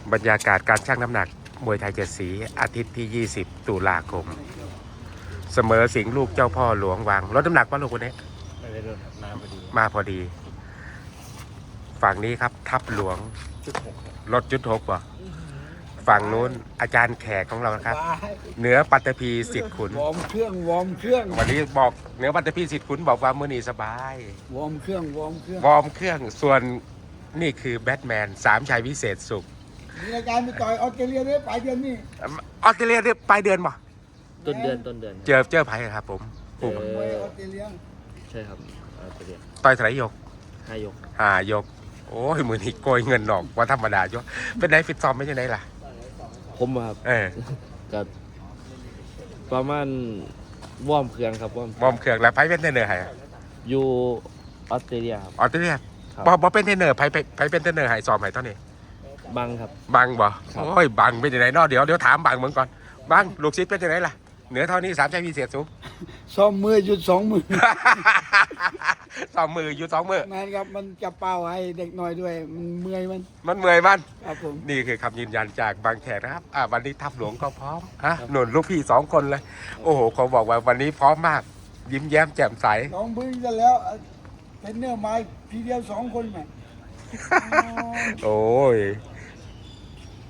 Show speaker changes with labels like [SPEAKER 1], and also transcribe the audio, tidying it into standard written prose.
[SPEAKER 1] บรรยากาศการชั่งน้ำหนักมวยไทยเจ็ดสีอาทิตย์ที่ 20 ตุลาคม เสมอสิงห์ลูกเจ้าพ่อหลวงวังลดน้ำหนักป่ะลูกคนนี้
[SPEAKER 2] ไม่ได้ลดน้ำพอดี
[SPEAKER 1] มาพอดี ฝั่งนี้ครับทับหลวง
[SPEAKER 2] 1.6
[SPEAKER 1] ลดจุดหกป่ะฝั่งนู้นอาจารย์แขกของเรานะครับ เหนือปัตตภีสิทธิ์ขุน
[SPEAKER 3] วอร์มเครื่องวอร์มเครื่อง
[SPEAKER 1] วันนี้บอกเหนือปัตตภีสิทธิ์ขุนบอกว่ามือนีสบาย
[SPEAKER 3] วอร์มเครื่องวอร์มเครื่อง
[SPEAKER 1] วอร์มเครื่องส่วนนี่คือแบทแมนสามชัยวิเศษสุข
[SPEAKER 3] มีรายการไปต่อยออสเตรเลียด้วยปลายเดือนนี้
[SPEAKER 1] ออสเตรเลียเนี่ยปลายเดือนป่ะ
[SPEAKER 2] ต้นเดือน
[SPEAKER 1] เจอไผ่ครับผม
[SPEAKER 2] เออ
[SPEAKER 3] มวยออสเตรเลีย
[SPEAKER 2] ใช่ครับตัวเดียว
[SPEAKER 1] ต่อยไถยก
[SPEAKER 2] 5 ยก
[SPEAKER 1] 5 ยก โอ้ยมือนี้โกยเงินออกว่าธรรมดาจ้ะเป็นไงฟิตซ้อมไม่ใช่ไหนล่ะ
[SPEAKER 2] ผมอะครับ
[SPEAKER 1] เออ
[SPEAKER 2] กับประมาณวอร์มเครื่องครับวอร์ม
[SPEAKER 1] บอมเครื่องแล้วไผ่เป็นเทรนเนอร์ให้
[SPEAKER 2] อยู่ออสเตรเลียครับ
[SPEAKER 1] ออสเตรเลีย
[SPEAKER 2] ครับ
[SPEAKER 1] บอเป็นเทรนเนอร์ไผ่เป็นเทรนเนอร์ให้ซ้อมให้ตอนนี้
[SPEAKER 2] บังครับ
[SPEAKER 1] บังบ่
[SPEAKER 2] ครับ
[SPEAKER 1] โอ้ยบังเป็นยังไงเนอเดี๋ยวถามบังเหมือนก่อนบังลูกศิษย์เป็นยังไงล่ะเหนือเท่านี้สามชัยวิเศษสูง
[SPEAKER 3] ซ้อมมือหยุด2 มือ
[SPEAKER 1] สองมืออยู่2 มือ
[SPEAKER 3] แมนครับมันจะเป่าให้เด็กน้อยด้วยมันเมื่อยมัน
[SPEAKER 1] มันเมื่อยมัน
[SPEAKER 3] ครับผม
[SPEAKER 1] นี่คือคำยืนยันจากบางแขกนะครับวันนี้ทัพหลวงก็พร้อมหนุนลูกพี่2 คนเลย โอ้โหเขาบอกว่าวันนี้พร้อมมาก ยิ้มแย้มแจ่มใส
[SPEAKER 3] น้องบึ้งจะแล้วเทรนเนอร์มาทีเดียว2 คนแหม
[SPEAKER 1] โอ้ย